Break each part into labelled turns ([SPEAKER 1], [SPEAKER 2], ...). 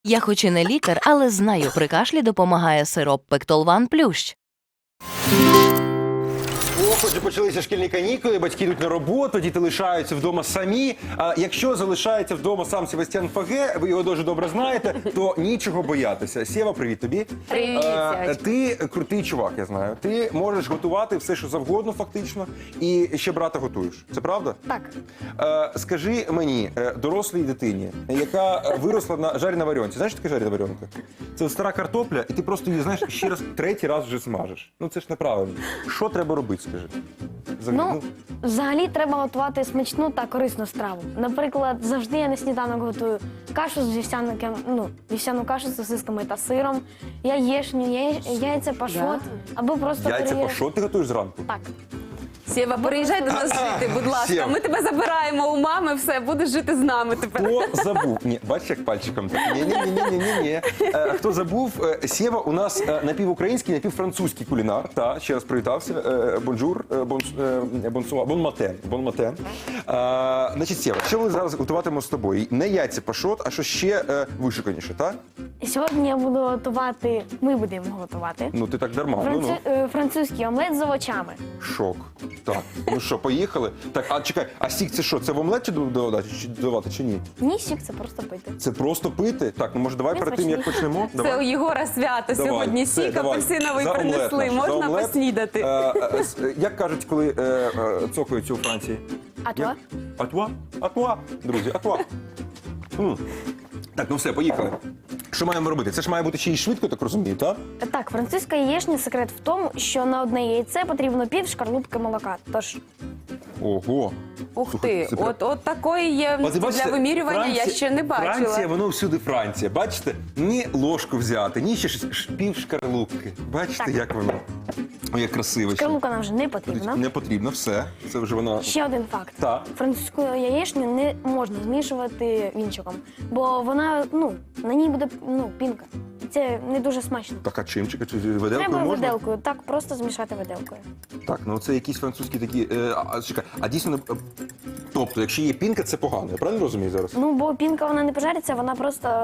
[SPEAKER 1] Я хоч і не лікар, але знаю, при кашлі допомагає сироп Пектолван Плющ.
[SPEAKER 2] Отже, почалися шкільні канікули, батьки йдуть на роботу, діти лишаються вдома самі. А якщо залишається вдома сам Себастьян Фаге, ви його дуже добре знаєте, то нічого боятися. Сєва, привіт тобі.
[SPEAKER 3] Привіт, Сєвочка.
[SPEAKER 2] Ти крутий чувак, я знаю. Ти можеш готувати все, що завгодно, фактично, і ще брата готуєш. Це правда?
[SPEAKER 3] Так.
[SPEAKER 2] Скажи мені, дорослій дитині, яка виросла на жарі варіонці. Знаєш, що таке жарена варіонка? Це стара картопля, і ти просто її, знаєш, ще раз, третій раз вже смажеш. Ну це ж неправильно. Що треба робити, скажи?
[SPEAKER 3] Ну, взагалі треба готувати смачну та корисну страву. Наприклад, завжди я на сніданок готую кашу з вівсяну кашу з сосисками та сиром, яєчню, яйця пашот, або просто
[SPEAKER 2] Яйця пашот ти готуєш зранку?
[SPEAKER 3] Так.
[SPEAKER 4] Сєва, переїжджай до нас жити, будь ласка.
[SPEAKER 2] Сєва.
[SPEAKER 4] Ми тебе забираємо у мами, все, будеш жити з нами тепер.
[SPEAKER 2] Хто забув? Ні, бачиш, як пальчиком. Ні. Хто забув? Сєва у нас напівукраїнський, напівфранцузький кулінар. Та, ще раз привітався. Бонжур, бонсуа, бонматен. Значить, Сєва, що ми зараз готуватимемо з тобою? Не яйця пашот, а що ще вишуканіше, так?
[SPEAKER 3] Сьогодні я буду готувати, ми будемо готувати
[SPEAKER 2] Ну, ти так дарма.
[SPEAKER 3] французький омлет з овочами.
[SPEAKER 2] Шок. Так, ну що, поїхали? Так, а чекай, а сік це що? Це в омлет чи додавати, чи ні?
[SPEAKER 3] Ні, сік, це просто пити.
[SPEAKER 2] Це просто пити? Так, ну може давай
[SPEAKER 3] Не
[SPEAKER 2] перед тим, як
[SPEAKER 3] смачний.
[SPEAKER 2] почнемо?
[SPEAKER 4] Це у Єгора свято
[SPEAKER 2] Давай,
[SPEAKER 4] сьогодні.
[SPEAKER 2] все,
[SPEAKER 4] Сік
[SPEAKER 2] давай.
[SPEAKER 4] апельсиновий
[SPEAKER 2] За омлет
[SPEAKER 4] принесли,
[SPEAKER 2] наш, за
[SPEAKER 4] можна
[SPEAKER 2] омлет.
[SPEAKER 4] поснідати.
[SPEAKER 2] Як кажуть, коли цокаються у Франції?
[SPEAKER 3] А то?
[SPEAKER 2] Як? Атуа? Атуа, друзі, атуа. Так, ну все, поїхали. Що маємо робити? Це ж має бути ще й швидко, так розумію, так?
[SPEAKER 3] Так, французька яєчня секрет в тому, що на одне яйце потрібно пів шкарлупки молока. Тож
[SPEAKER 2] Ого.
[SPEAKER 4] Ух
[SPEAKER 2] Слухай,
[SPEAKER 4] ти,
[SPEAKER 2] це
[SPEAKER 4] от такої ємності для вимірювання я ще не бачила.
[SPEAKER 2] Франція, воно всюди Франція. Бачите? Ні ложку взяти, ні ще пів шкарлупки. Бачите,
[SPEAKER 3] Так.
[SPEAKER 2] як воно? Ой, як красиво. ще.
[SPEAKER 3] шкарлупка нам вже не потрібна.
[SPEAKER 2] Не потрібно, все. Це вже вона...
[SPEAKER 3] Ще один факт.
[SPEAKER 2] Так.
[SPEAKER 3] Французьку яєчню не можна змішувати вінчиком, бо вона, на ній буде, пінка. Це не дуже смачно.
[SPEAKER 2] Так, а чим? Чи виделкою
[SPEAKER 3] Треба
[SPEAKER 2] можна?
[SPEAKER 3] виделкою, так, просто змішати виделкою.
[SPEAKER 2] Так, ну це якісь французькі такі... чекай, а дійсно... Тобто, якщо є пінка, це погано. Я правильно розумію зараз?
[SPEAKER 3] Ну, бо пінка, вона не пожариться, вона просто,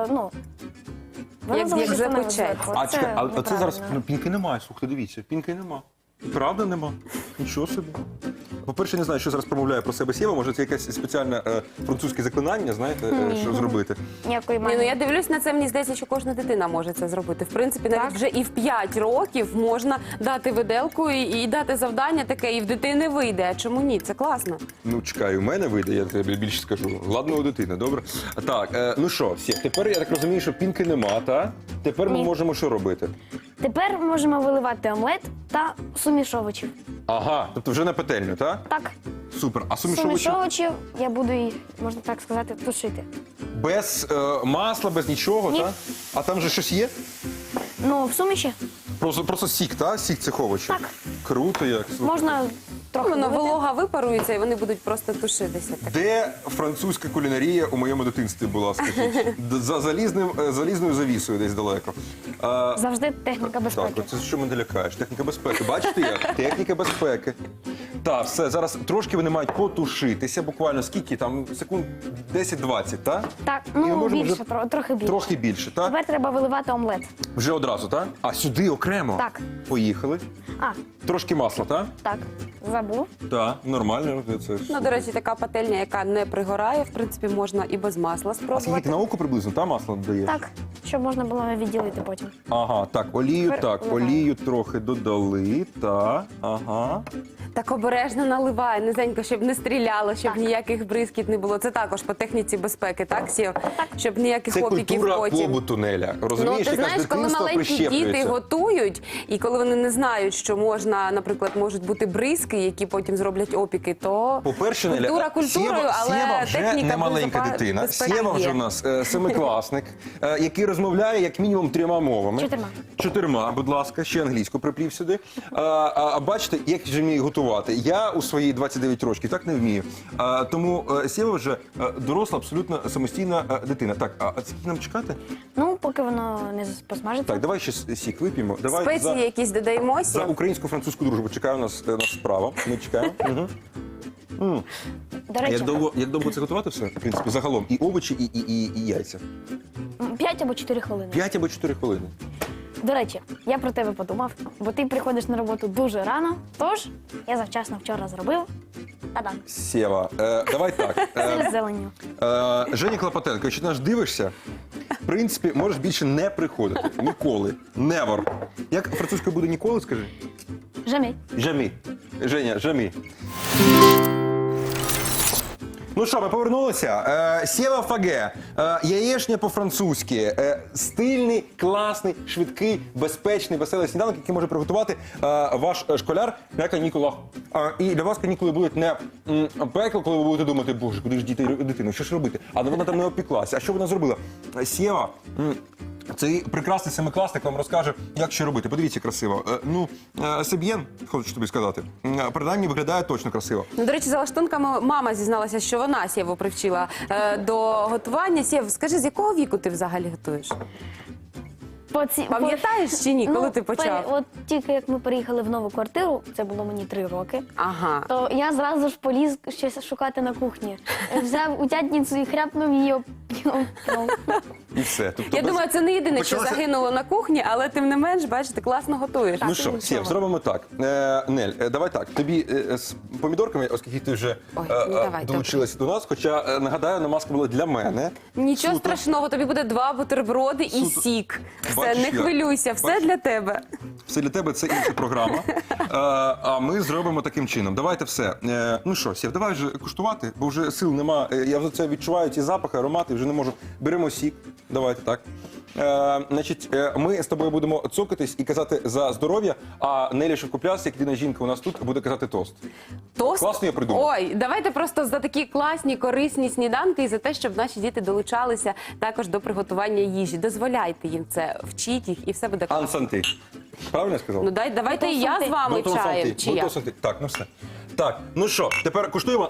[SPEAKER 3] вона
[SPEAKER 4] Як
[SPEAKER 3] залишиться на
[SPEAKER 4] запечеться.
[SPEAKER 3] виделку.
[SPEAKER 2] А чекай, а це зараз
[SPEAKER 3] неправильно.
[SPEAKER 2] пінки немає, слухайте, дивіться, пінки нема. Правда нема? Нічого собі. По-перше, не знаю, що зараз промовляє про себе Сєва, може це якесь спеціальне французьке заклинання, знаєте, що зробити.
[SPEAKER 3] Ніякої
[SPEAKER 4] Ні, ну
[SPEAKER 3] магії.
[SPEAKER 4] я дивлюсь на це, мені здається, що кожна дитина може це зробити. В принципі, навіть
[SPEAKER 3] Так.
[SPEAKER 4] вже і в 5 років можна дати виделку і дати завдання таке, і в дитини вийде. А чому ні? Це класно.
[SPEAKER 2] Ну, чекай, у мене вийде, я тобі більше скажу. Ладно, у дитини, добре? Так, ну що, Сєв, тепер я так розумію, що пінки нема, та? Тепер ми
[SPEAKER 3] Ні.
[SPEAKER 2] можемо що робити?
[SPEAKER 3] Тепер можемо виливати омлет та суміш овочів.
[SPEAKER 2] Ага, тобто вже на петельню, так?
[SPEAKER 3] Так,
[SPEAKER 2] Супер. А суміш
[SPEAKER 3] суміш
[SPEAKER 2] овочів?
[SPEAKER 3] овочів я буду їх, можна так сказати, тушити.
[SPEAKER 2] Без масла, без нічого,
[SPEAKER 3] Ні.
[SPEAKER 2] так? А там же щось є?
[SPEAKER 3] Ну, в суміші
[SPEAKER 2] Просто сік, так? Сік цих овочів?
[SPEAKER 3] Так.
[SPEAKER 2] Круто як. Слухай.
[SPEAKER 3] можна трохи
[SPEAKER 4] Воно
[SPEAKER 3] вилити.
[SPEAKER 4] волога випарується, і вони будуть просто тушитися.
[SPEAKER 2] Де французька кулінарія у моєму дитинстві була, скажіть? За залізною завісою десь далеко.
[SPEAKER 3] Завжди техніка безпеки.
[SPEAKER 2] Так, це що мене лякаєш? Техніка безпеки. Бачите як? Техніка безпеки. Так, все, зараз трошки вони мають потушитися, буквально скільки там, секунд 10-20, так?
[SPEAKER 3] Так,
[SPEAKER 2] І ми
[SPEAKER 3] ну
[SPEAKER 2] можемо
[SPEAKER 3] більше,
[SPEAKER 2] вже
[SPEAKER 3] трохи більше.
[SPEAKER 2] Трохи більше, так?
[SPEAKER 3] Тепер треба виливати омлет.
[SPEAKER 2] Вже одразу, так? А сюди окремо?
[SPEAKER 3] Так.
[SPEAKER 2] Поїхали.
[SPEAKER 3] А,
[SPEAKER 2] Трошки масла, так?
[SPEAKER 3] так, забув.
[SPEAKER 2] Так, нормально. Це ж...
[SPEAKER 4] Ну, до речі, така пательня, яка не пригорає, в принципі, можна і без масла
[SPEAKER 2] А скільки ти
[SPEAKER 4] спробувати.
[SPEAKER 2] на око приблизно, та масло додаєш?
[SPEAKER 3] Так, щоб можна було відділити потім.
[SPEAKER 2] Ага, так, олію,
[SPEAKER 3] Тепер
[SPEAKER 2] так,
[SPEAKER 3] вливаємо.
[SPEAKER 2] олію трохи додали, так, ага.
[SPEAKER 4] Так обережно наливай, низенько, щоб не стріляло, щоб
[SPEAKER 3] Так.
[SPEAKER 4] ніяких бризкіт не було. Це також по техніці безпеки, так, Сєв? Щоб ніяких
[SPEAKER 2] Це
[SPEAKER 4] опіків
[SPEAKER 2] культура
[SPEAKER 4] потім.
[SPEAKER 2] побуту, Неля.
[SPEAKER 4] Ну,
[SPEAKER 2] Розумієш,
[SPEAKER 4] ти
[SPEAKER 2] яка з
[SPEAKER 4] знаєш, коли
[SPEAKER 2] дитинства
[SPEAKER 4] маленькі діти
[SPEAKER 2] прищеплюється.
[SPEAKER 4] готують, і коли вони не знають, що можна, наприклад, можуть бути бризки, які потім зроблять опіки, то
[SPEAKER 2] По-перше, Неля,
[SPEAKER 4] культура культурою,
[SPEAKER 2] Сєва,
[SPEAKER 4] але
[SPEAKER 2] Сєва вже
[SPEAKER 4] техніка
[SPEAKER 2] не маленька дитина.
[SPEAKER 4] безпеки
[SPEAKER 2] Сєва вже
[SPEAKER 4] є.
[SPEAKER 2] у нас семикласник, який розмовляє як мінімум 3 мовами.
[SPEAKER 3] 4.
[SPEAKER 2] 4, будь ласка, ще англійську приплів сюди. Бачите, як же вмію готувати? Я у свої 29 років так не вмію. Тому Сєва вже доросла, абсолютно самостійна дитина. Так, а скільки нам чекати?
[SPEAKER 3] Ну, поки воно не посмажиться.
[SPEAKER 2] Так, давай ще сік вип'ємо. Давай
[SPEAKER 4] Спеції якісь додаємо,
[SPEAKER 2] за
[SPEAKER 4] Сєв?
[SPEAKER 2] українську-французьку дружбу. Чекає у нас справа. Ми чекаємо. Угу.
[SPEAKER 3] До речі,
[SPEAKER 2] Як довго це готувати все, в принципі, загалом? І овочі, і яйця?
[SPEAKER 3] 5 або 4 хвилини.
[SPEAKER 2] 5 або 4 хвилини.
[SPEAKER 3] До речі, я про тебе подумав, бо ти приходиш на роботу дуже рано, тож я завчасно вчора зробив. Та-дам.
[SPEAKER 2] Сєва, давай так.
[SPEAKER 3] Сир з зеленню.
[SPEAKER 2] Женя Клопотенко, якщо ти нас дивишся, в принципі, можеш більше не приходити. Ніколи. Never. Як французькою буде ніколи, скажи?
[SPEAKER 3] Жамі.
[SPEAKER 2] Жамі. Женя, жамі. Ну що, ми повернулися. Сєва Фаге, яєшня по-французьки. Стильний, класний, швидкий, безпечний, веселий сніданок, який може приготувати ваш школяр на канікулах. І для вас канікули будуть не пекло, коли ви будете думати, боже, куди ж діти дитину, що ж робити? Але вона там не опіклася. А що вона зробила? Сєва, цей прекрасний семикласник вам розкаже, як що робити. Подивіться красиво. Себ'єн, хочу тобі сказати, принаймні виглядає точно красиво.
[SPEAKER 4] Ну, до речі, за лаштунками мама зізналася, що вона Сєву привчила до готування. Сєв, скажи, з якого віку ти взагалі готуєш? Пам'ятаєш чи ні, коли ти почав?
[SPEAKER 3] От тільки як ми переїхали в нову квартиру, це було мені 3 роки,
[SPEAKER 4] Ага.
[SPEAKER 3] то я зразу ж поліз щось шукати на кухні. Взяв утятницю і хряпнув її об пол.
[SPEAKER 2] І все. Тобто
[SPEAKER 4] Я думаю, це не єдине, що
[SPEAKER 2] Почалося-
[SPEAKER 4] загинуло на кухні, але тим не менш, бачите, класно готуєш.
[SPEAKER 2] Ну що, Сєв, зробимо так. Нель, давай так. Тобі з помідорками, оскільки ти вже
[SPEAKER 4] Ой, ну, давай,
[SPEAKER 2] долучилася до нас, хоча, нагадаю, намазка була для мене.
[SPEAKER 4] Нічого
[SPEAKER 2] Суто.
[SPEAKER 4] страшного, тобі буде 2 бутерброди і
[SPEAKER 2] Суто.
[SPEAKER 4] сік. Все,
[SPEAKER 2] Бачиш,
[SPEAKER 4] не
[SPEAKER 2] як?
[SPEAKER 4] хвилюйся, все
[SPEAKER 2] Бачиш?
[SPEAKER 4] для тебе.
[SPEAKER 2] Все для тебе, це інша програма. А ми зробимо таким чином. Давайте все. Ну що, Сєв, давай вже куштувати, бо вже сил нема. Я вже це відчуваю, ці запахи, аромати, вже не можу. Беремо сік. Давайте так. Значить, ми з тобою будемо цокатись і казати за здоров'я, а Нелі Шевкопляс, як єдина жінка у нас тут, буде казати тост.
[SPEAKER 4] Тост?
[SPEAKER 2] Класно я придумав.
[SPEAKER 4] Ой, давайте просто за такі класні, корисні сніданки і за те, щоб наші діти долучалися також до приготування їжі. Дозволяйте їм це, вчіть їх і все буде класно.
[SPEAKER 2] Ансанти. Правильно я сказав?
[SPEAKER 4] Ну давайте і я з вами
[SPEAKER 2] Бонтон
[SPEAKER 4] чаєм.
[SPEAKER 2] санти.
[SPEAKER 4] Чи я?
[SPEAKER 2] Бонтон санти. Так, ну все. Так, ну що, тепер куштуємо.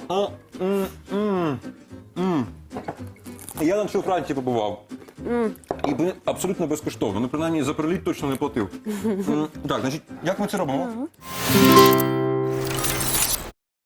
[SPEAKER 2] Я на цій Франції побував. І абсолютно безкоштовно. Ну, принаймні, за приліт точно не платив. Так, значить, як ми це робимо?